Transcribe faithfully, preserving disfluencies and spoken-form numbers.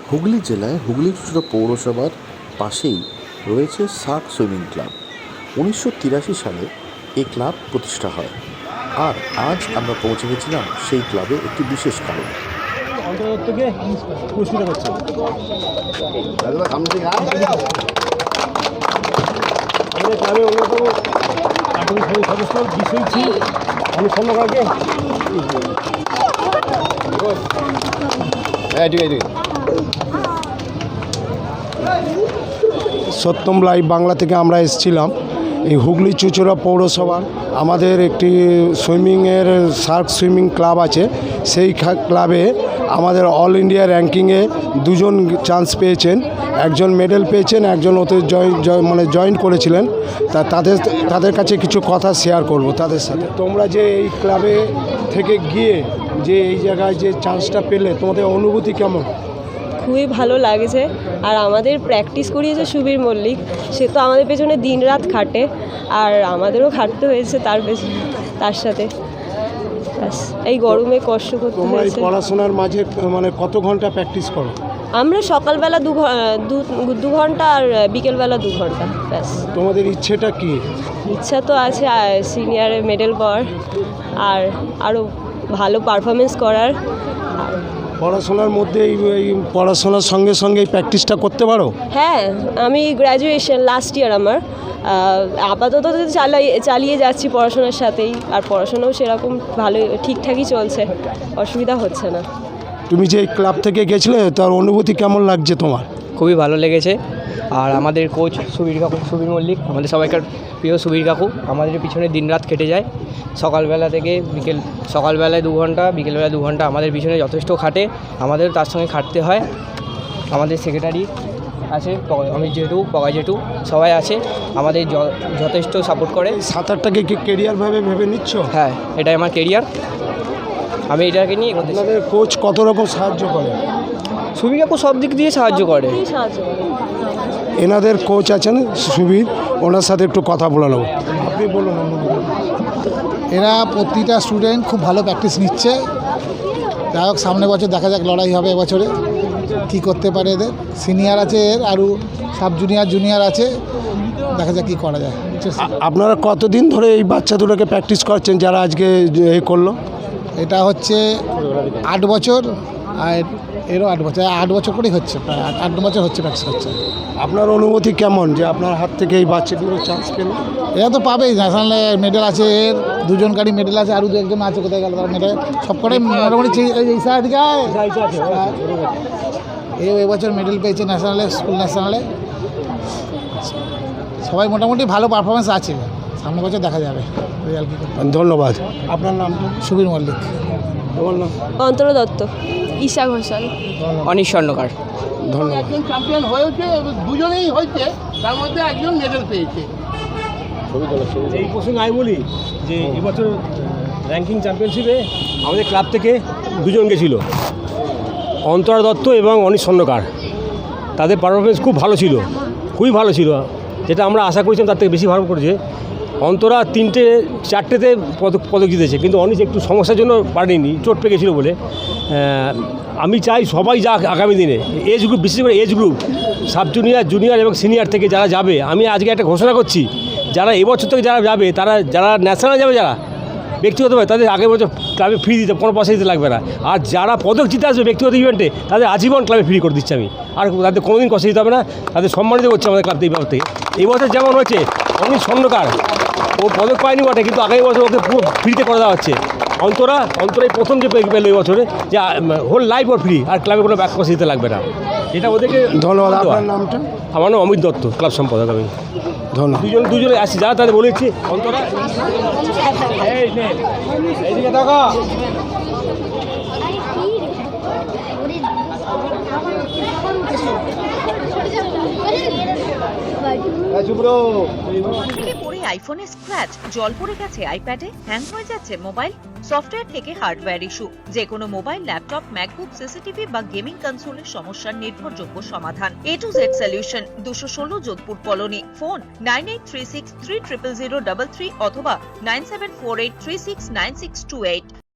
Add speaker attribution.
Speaker 1: হুগলি জেলায় হুগলি চুঁচুড়া পৌরসভার পাশেই রয়েছে সার্ক সুইমিং ক্লাব। উনিশশো তিরাশি সালে এই ক্লাব প্রতিষ্ঠা হয়, আর আজ আমরা পৌঁছে গেছিলাম সেই ক্লাবে একটি বিশেষ কারণে।
Speaker 2: অন্তর্দত্তকে পুরস্কৃত করছে। আমাদের ক্লাবের অন্যতম প্রাথমিক সদস্য বিশ্বজিৎ অমিত স্বর্ণকারকে সত্যম লাইভ বাংলা থেকে আমরা এসেছিলাম এই হুগলি চুঁচুড়া পৌরসভার আমাদের একটি সুইমিংয়ের সার্ক সুইমিং ক্লাব আছে। সেই ক্লাবে আমাদের অল ইন্ডিয়া র্যাঙ্কিংয়ে দুজন চান্স পেয়েছেন, একজন মেডেল পেয়েছেন, একজন ওতে জয়েন মানে জয়েন করেছিলেন। তা তাদের তাদের কাছে কিছু কথা শেয়ার করব তাদের সাথে। তোমরা যে এই ক্লাবে থেকে গিয়ে যে এই জায়গায় যে চান্সটা পেলে, তোমাদের অনুভূতি কেমন?
Speaker 3: খুবই ভালো লাগছে। আর আমাদের প্র্যাকটিস করিয়েছে সুবীর মল্লিক, সে তো আমাদের পেছনে দিন রাত খাটে, আর আমাদেরও খাটতে হয়েছে তার পেছনে তার সাথে। এই গরমে কষ্ট করতে
Speaker 2: তোমরা এই
Speaker 3: হয়েছে।
Speaker 2: পড়াশোনার মাঝে মানে কত ঘন্টা প্যাকটিস করো?
Speaker 3: আমরা সকালবেলা দু দু ঘন্টা আর বিকেলবেলা দু ঘন্টা ব্যাস।
Speaker 2: তোমাদের ইচ্ছেটা কি?
Speaker 3: ইচ্ছা তো আছে সিনিয়রে মেডেল পাওয়ার আর আরও ভালো পারফরমেন্স করার।
Speaker 2: পড়াশোনার মধ্যে এই এই পড়াশোনার সঙ্গে সঙ্গে এই প্র্যাকটিসটা করতে পারো?
Speaker 3: হ্যাঁ, আমি গ্র্যাজুয়েশন লাস্ট ইয়ার আমার, আপাতত চালাই চালিয়ে যাচ্ছি পড়াশোনার সাথেই, আর পড়াশোনাও সেরকম ভালো ঠিকঠাকই চলছে, অসুবিধা হচ্ছে না।
Speaker 2: তুমি যে ক্লাব থেকে গেছিলে তার অনুভূতি কেমন লাগছে তোমার?
Speaker 4: খুবই ভালো লেগেছে। আর আমাদের কোচ সুবীর কাকু, সুবীর মল্লিক, আমাদের সবাইকার প্রিয় সুবীর কাকু, আমাদের পিছনে দিনরাত কেটে যায়। সকালবেলা থেকে বিকেল, সকালবেলায় দু ঘন্টা, বিকেলবেলা দু ঘন্টা আমাদের পিছনে যথেষ্ট খাটে, আমাদের তার সঙ্গে খাটতে হয়। আমাদের সেক্রেটারি আছে, আমি জেঠু, পগা জেঠু, সবাই আছে, আমাদের যথেষ্ট সাপোর্ট করে।
Speaker 2: সাঁতারটাকে কি কেরিয়ারভাবে ভেবে নিচ্ছ?
Speaker 4: হ্যাঁ, এটাই আমার কেরিয়ার, আমি এটাকে নিয়ে।
Speaker 2: আপনাদের কোচ কত রকম সাহায্য করে?
Speaker 4: সুবীর কাকু সব দিক দিয়ে সাহায্য করে।
Speaker 2: এনাদের কোচ আছেন সুবীর, ওনার সাথে একটু কথা বলে নেব। আপনি বলুন।
Speaker 5: এরা প্রতিটা স্টুডেন্ট খুব ভালো প্র্যাকটিস নিচ্ছে। যাই হোক, সামনে বছর দেখা যাক লড়াই হবে এবছরে কী করতে পারে এদের। সিনিয়র আছে এর, আরও সাব জুনিয়র জুনিয়র আছে, দেখা যাক কী করা যায়।
Speaker 2: আপনারা কতদিন ধরে এই বাচ্চা দুটোকে প্র্যাকটিস করছেন যারা আজকে এই করলো?
Speaker 5: এটা হচ্ছে আট বছর, আর এরও আট বছর, আট বছর করেই হচ্ছে, প্রায় আট আট বছর হচ্ছে প্র্যাকটিস হচ্ছে।
Speaker 2: আপনার অনুভূতি কেমন যে আপনার হাত থেকে এই বাচ্চাগুলো চান্স পেল?
Speaker 5: এরা তো পাবেই, ন্যাশনালে মেডেল আছে এর, দুজন গাড়ি মেডেল আছে, আরও দু একজন আছে, কোথায় গেল তারা মেডেল, সব করে মোটামুটি এই এবছর মেডেল পেয়েছে ন্যাশনালে, স্কুল ন্যাশনালে। সবাই মোটামুটি ভালো পারফরমেন্স আছে, সামনে বছর দেখা যাবে রেজাল্ট কী করে।
Speaker 2: ধন্যবাদ। আপনার নাম?
Speaker 5: সুবীর মল্লিক।
Speaker 2: তোমার নাম?
Speaker 3: অন্তর দত্ত। ঈশা ঘোষাল।
Speaker 4: অনিশ স্বর্ণকার।
Speaker 2: ধন্যবাদ।
Speaker 6: একজন চ্যাম্পিয়ন হয়েছে, দুজনেই হয়েছে, তার মধ্যে একজন মেডেল পেয়েছে।
Speaker 2: এই প্রসঙ্গে আমি বলি যে এবছর র্যাঙ্কিং চ্যাম্পিয়নশিপে আমাদের ক্লাব থেকে দুজন গেছিল, অন্তরা দত্ত এবং অনিশ স্বর্ণকার। তাদের পারফরমেন্স খুব ভালো ছিল, খুবই ভালো ছিল, যেটা আমরা আশা করেছিলাম তার থেকে বেশি ভালো করেছে। অন্তরা তিনটে চারটেতে পদক পদক জিতেছে, কিন্তু অনিশ একটু সমস্যার জন্য পারেনি, চোট পেয়ে গেছিলো বলে। আমি চাই সবাই যাক আগামী দিনে, এজ গ্রুপ, বিশেষ করে age group, sub junior, junior এবং সিনিয়র থেকে যারা যাবে, আমি আজকে একটা ঘোষণা করছি, যারা এবছর থেকে যারা যাবে, তারা যারা ন্যাশনাল যাবে, যারা ব্যক্তিগতভাবে, তাদের আগের বছর ক্লাবে ফ্রি দিতে, কোনো পয়সা দিতে লাগবে না। আর যারা পদক জিতে আসবে ব্যক্তিগত ইভেন্টে, তাদের আজীবন ক্লাবে ফ্রি করে দিচ্ছি আমি, আর তাদের কোনোদিন পয়সা দিতে হবে না, তাদের সম্মানিত করছে আমাদের ক্লাব থেকে। থেকে এই বছর যেমন হচ্ছে অনিশ স্বর্ণকার, ও পদক পায়নি বটে, কিন্তু আগামী বছর ওকে পুরো ফ্রিতে করে দেওয়া হচ্ছে। অন্তরা অন্তরা এই প্রথম যে পেল এই বছরে, যে হোল লাইফ ওর ফ্রি, আর ক্লাবে কোনো ব্যাক পয়সা দিতে লাগবে না, এটা ওদেরকে ধন্যবাদ। আপনার নামটা? আমার নাম অমিত দত্ত, ক্লাব সম্পাদক আমি। ধন্যবাদ। দুজন দুজনে আসছি, যারা তাদের বলেছি। অন্তরা এইদিকে দেখো।
Speaker 7: পড়ে আইফোনে স্ক্র্যাচ, জল পড়ে গেছে আইপ্যাডে, হ্যাং হয়ে যাচ্ছে মোবাইল, সফটওয়্যার থেকে হার্ডওয়্যার ইস্যু, যে কোনো মোবাইল, ল্যাপটপ, ম্যাকবুক, সিসিটিভি বা গেমিং কনসোলের সমস্যার নির্ভরযোগ্য সমাধান। এ টু জেড সলিউশন, দুশো ষোলো Jodhpur colony. Phone nine eight three six three triple zero double three অথবা nine seven four eight three six nine six two eight.